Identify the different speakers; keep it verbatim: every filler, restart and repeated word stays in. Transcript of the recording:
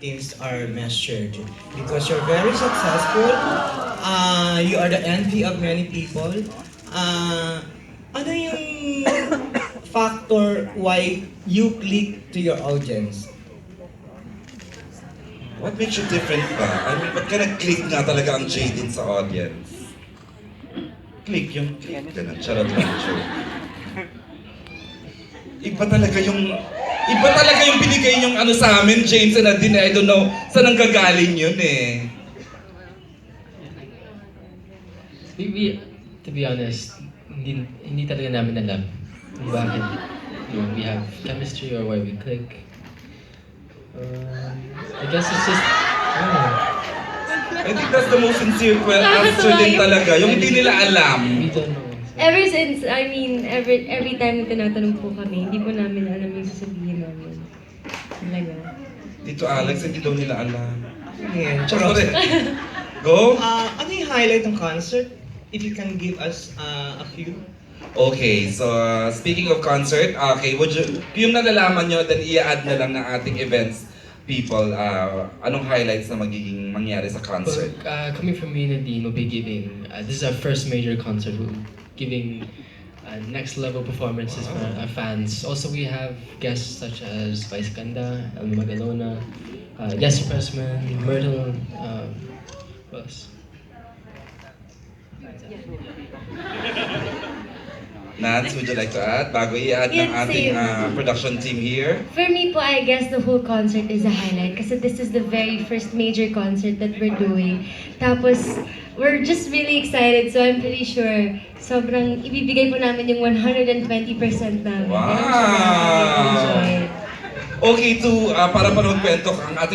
Speaker 1: things are measured because you're very successful. Uh, you are the envy of many people. Uh, ano yung factor why you click to your audience?
Speaker 2: What makes you different ba? I mean, ba't ka nag-click nga talaga ang Jadine sa audience? Click yung click. Ganun, charot lang, joke. Iba talaga yung... Iba talaga yung binigay yung ano sa amin, James and Nadine. I don't know saan ang gagaling yun eh.
Speaker 3: We, we, to be honest, hindi, hindi talaga namin alam kung bakit you know, we have chemistry or why we click. Um, I guess it's just, I don't know.
Speaker 2: I think that's the most sincere que- answer din talaga. Yung hindi nila alam.
Speaker 3: We don't know.
Speaker 4: Ever since, I mean, every every time na tinatanong po kami, hindi po namin alam yung sasabihin namin. Talaga.
Speaker 2: Dito Alex, hindi daw nila alam.
Speaker 1: Yeah,
Speaker 2: Charot. Go?
Speaker 1: Uh, ano yung highlight ng concert? If you can give us uh, a few.
Speaker 2: Okay, so uh, speaking of concert, okay, would you, yung nalalaman nyo, then i-add na lang ng ating events people, uh, anong highlights na magiging mangyari sa concert?
Speaker 3: Uh, coming from me and Nadine, we'll be giving, uh, this is our first major concert, we'll be giving uh, next level performances for our fans. Also, we have guests such as Vice Ganda, Elma Magalona, uh, Yes Pressman, Myrtle, uh, who else?
Speaker 2: Nats, would you like to add? Bago i-add ng
Speaker 4: Yes,
Speaker 2: ating
Speaker 4: same.
Speaker 2: uh, production team here.
Speaker 4: For me po, I guess the whole concert is a highlight kasi this is the very first major concert that we're doing. Tapos, we're just really excited so I'm pretty sure sobrang ibibigay po namin yung one hundred twenty percent namin.
Speaker 2: Wow!
Speaker 4: Kaya I'm sure na enjoy it.
Speaker 2: Okay, to, uh, para pa kwento ang ating